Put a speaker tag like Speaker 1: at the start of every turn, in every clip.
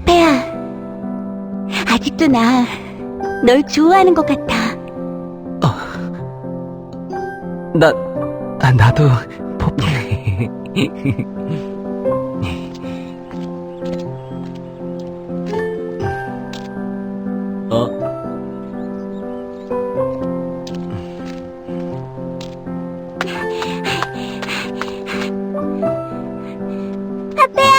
Speaker 1: 파페야, 아직도 나 널 좋아하는 것 같아.
Speaker 2: 나도 포포.
Speaker 1: 파페야!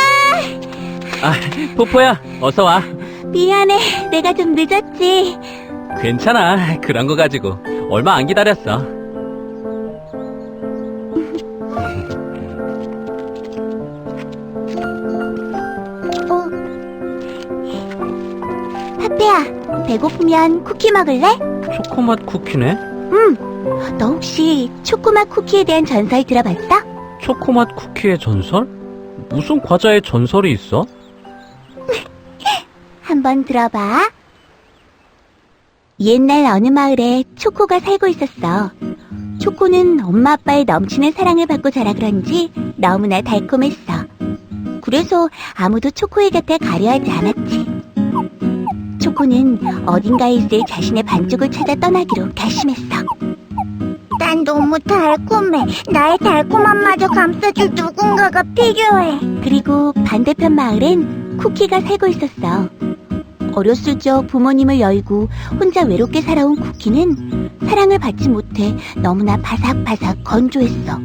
Speaker 2: 포포야, 어서 와.
Speaker 1: 미안해, 내가 좀 늦었지.
Speaker 2: 괜찮아. 그런 거 가지고 얼마 안 기다렸어.
Speaker 1: 파페야, 배고프면 쿠키 먹을래?
Speaker 2: 초코맛 쿠키네?
Speaker 1: 너 혹시 초코맛 쿠키에 대한 전설 들어봤어?
Speaker 2: 초코맛 쿠키의 전설? 무슨 과자의 전설이 있어?
Speaker 1: 한번 들어봐. 옛날 어느 마을에 초코가 살고 있었어. 초코는 엄마 아빠의 넘치는 사랑을 받고 자라 그런지 너무나 달콤했어. 그래서 아무도 초코의 곁에 가려하지 않았지. 초코는 어딘가에 있을 자신의 반쪽을 찾아 떠나기로 결심했어. 난 너무 달콤해. 나의 달콤함마저 감싸줄 누군가가 필요해. 그리고 반대편 마을엔 쿠키가 살고 있었어. 어렸을 적 부모님을 열고 혼자 외롭게 살아온 쿠키는 사랑을 받지 못해 너무나 바삭바삭 건조했어.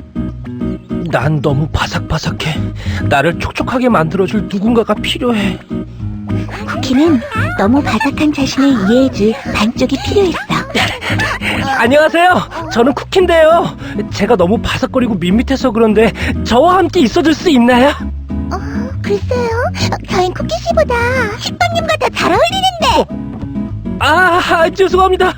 Speaker 3: 난 너무 바삭바삭해. 나를 촉촉하게 만들어줄 누군가가 필요해.
Speaker 1: 쿠키는 너무 바삭한 자신을 이해해줄 반쪽이 필요했어.
Speaker 3: 안녕하세요. 저는 쿠키인데요. 제가 너무 바삭거리고 밋밋해서 그런데 저와 함께 있어줄 수 있나요?
Speaker 1: 글쎄요. 저흰 쿠키 씨보다 식빵님과 더 잘 어울리는데.
Speaker 3: 죄송합니다.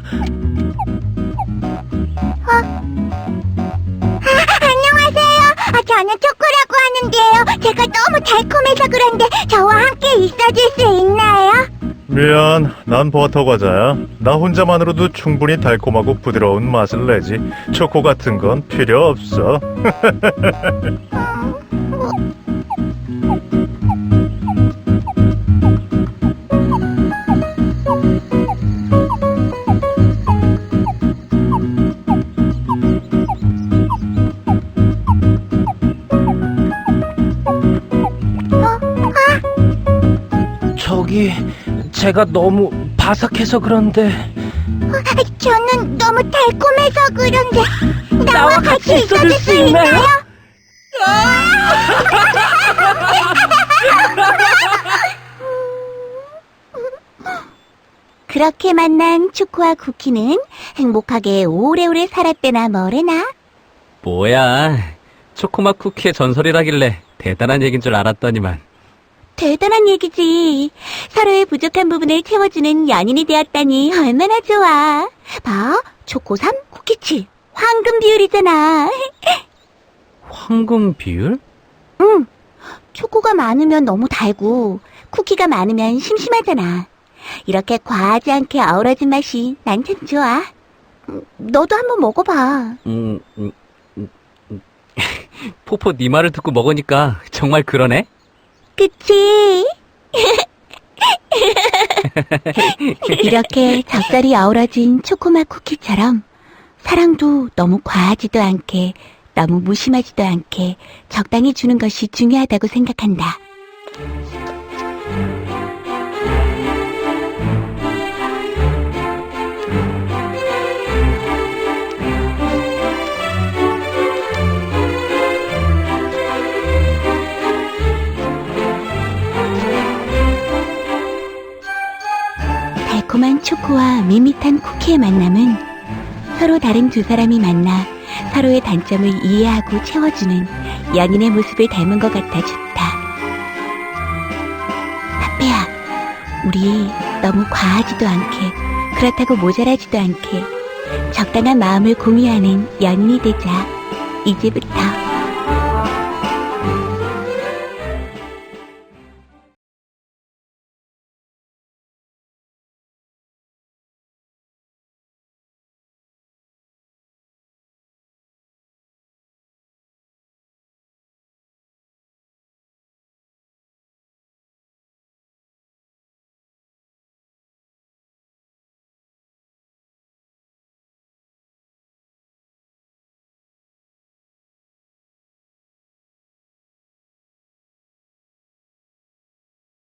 Speaker 1: 안녕하세요. 저는 초코라고 하는데요. 제가 너무 달콤해서 그런데 저와 함께 있어줄 수 있나요?
Speaker 4: 미안, 난 버터 과자야. 나 혼자만으로도 충분히 달콤하고 부드러운 맛을 내지. 초코 같은 건 필요 없어.
Speaker 3: 저기 제가 너무 바삭해서 그런데
Speaker 1: 저는 너무 달콤해서 그런데
Speaker 3: 나와 같이 있어줄 수 있나요?
Speaker 1: 그렇게 만난 초코와 쿠키는 행복하게 오래오래 살았대나 뭐래나.
Speaker 2: 뭐야, 초코맛 쿠키의 전설이라길래 대단한 얘긴 줄 알았더니만.
Speaker 1: 대단한 얘기지. 서로의 부족한 부분을 채워주는 연인이 되었다니 얼마나 좋아. 봐, 초코 3, 쿠키 7. 황금 비율이잖아.
Speaker 2: 황금 비율?
Speaker 1: 응. 초코가 많으면 너무 달고 쿠키가 많으면 심심하잖아. 이렇게 과하지 않게 어우러진 맛이 난 참 좋아. 너도 한번 먹어봐.
Speaker 2: 포포 네 말을 듣고 먹으니까 정말 그러네?
Speaker 1: 그치? 이렇게 적절히 어우러진 초코맛 쿠키처럼 사랑도 너무 과하지도 않게 너무 무심하지도 않게 적당히 주는 것이 중요하다고 생각한다. 달콤한 초코와 밋밋한 쿠키의 만남은 서로 다른 두 사람이 만나 서로의 단점을 이해하고 채워주는 연인의 모습을 닮은 것 같아 좋다. 파페야, 우리 너무 과하지도 않게 그렇다고 모자라지도 않게 적당한 마음을 공유하는 연인이 되자. 이제부터.